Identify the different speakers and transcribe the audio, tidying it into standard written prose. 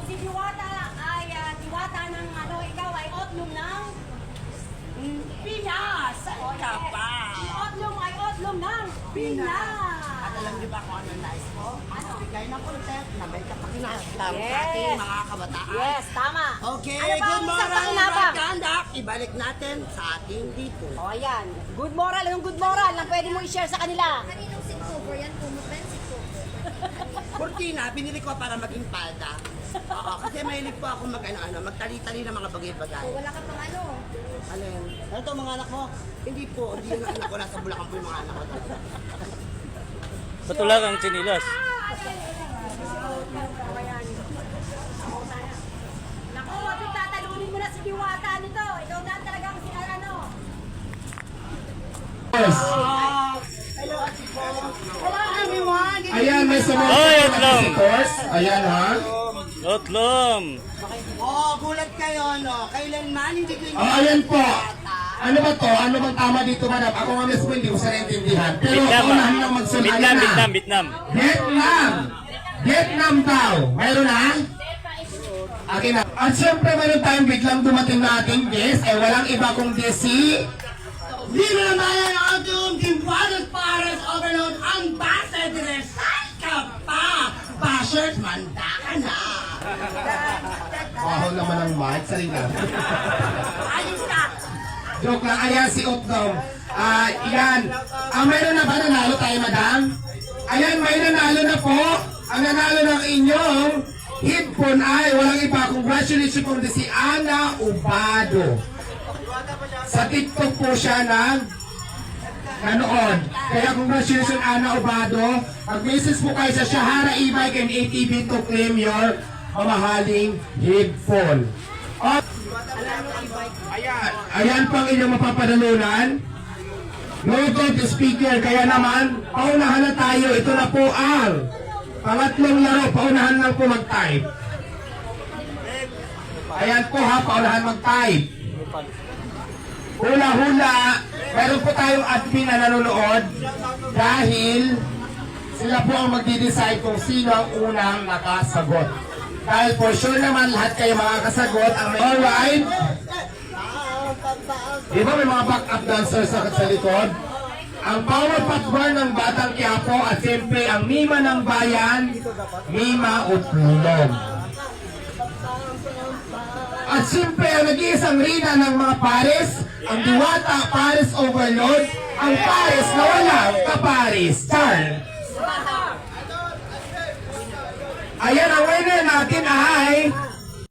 Speaker 1: si Diwata ay diwata ng ano, ikaw ay otlum ng
Speaker 2: Pinas! Saan ka pa?
Speaker 1: Si otlum ay otlum ng Pinas.
Speaker 2: At alam niyo ba kung ano nais ko?
Speaker 1: Ano?
Speaker 2: Bigay ng content na may kapakinabang
Speaker 1: Yes.
Speaker 2: sa ating mga kabataan.
Speaker 1: Yes, tama.
Speaker 2: Okay,
Speaker 1: Ano ba
Speaker 2: good
Speaker 1: ang isang
Speaker 2: morning,
Speaker 1: pakinabang?
Speaker 2: right conduct. Ibalik natin sa ating dito.
Speaker 1: O, ayan. Good moral. Anong good moral lang pwede mo i-share sa kanila?
Speaker 3: Kaninong Sigtober yan? Pumupen Sigtober.
Speaker 2: Cortina, binili ko para maging palda. Oo, kasi mahilig po ako magtali-tali ng mga bagay-bagay.
Speaker 3: O wala ka pang ano.
Speaker 2: Alin? Ano to mga anak mo? Hindi po, hindi yung anak ko. Nasa Bulacan po yung mga anak ko.
Speaker 4: Patulang ang chinilas.
Speaker 1: Naku, wag yung tatalunin mo na si Diwata nito. Ikaw na talagang si ano.
Speaker 2: Hello, Ate Po. Hello, everyone.
Speaker 5: Ayan, may sumunod
Speaker 4: Oy,
Speaker 5: na
Speaker 4: Otlong!
Speaker 5: visitors. Ayan ha.
Speaker 4: Otlom!
Speaker 2: Oh, gulat kayo, no? Kailanman hindi ko
Speaker 5: Oh, ayan po. Ano ba to? Ano bang tama dito, madam? Ako nga mismo hindi ko sa naintindihan. Pero
Speaker 4: Vietnam,
Speaker 5: unahan lang magsunod.
Speaker 4: Vietnam,
Speaker 5: Ayan na.
Speaker 4: Vietnam.
Speaker 5: Vietnam! Vietnam daw. Mayroon na? Akin na. At syempre mayroon tayong biglang dumating na ating guest. Eh walang iba kundi si...
Speaker 2: Dito na tayo ng ating Timpadas Pares Overload Ambassador. Saan ka pa? Bashers, manda ka na.
Speaker 5: Baho naman ang mic. Salina.
Speaker 2: Ayos ka.
Speaker 5: Joke lang. Ayan si Otdom. Yan. Mayroon na ba nanalo tayo, madam? Ayan, may nanalo na po. Ang nanalo ng inyong headphone ay walang iba. Congratulations po si Ana Ubado. Sa TikTok po siya nanood. Kaya congratulations Ana Ubado. Mag-message po kayo sa Shahara E-Bike and ATV to claim your mamahaling headphone. Ayan pang inyong mapapadalunan. Bluetooth speaker. Kaya naman, paunahan na tayo. Ito na po ang pangatlong laro. Paunahan lang po mag-type. Ayan po ha, paunahan mag-type. Hula-hula. Meron po tayong admin na nanonood dahil sila po ang magdi-decide kung sino ang unang nakasagot. Dahil for sure naman lahat kayo makakasagot. Alright. Di ba may mga backup dancers sa likod? Ang power pack bar ng Batang Quiapo at siyempre ang Mima ng Bayan, Mima Utlong. At siyempre ang nag-iisang rina ng mga pares, ang Diwata Pares Overload, ang pares na walang kapares. Char! Ayan ang winner natin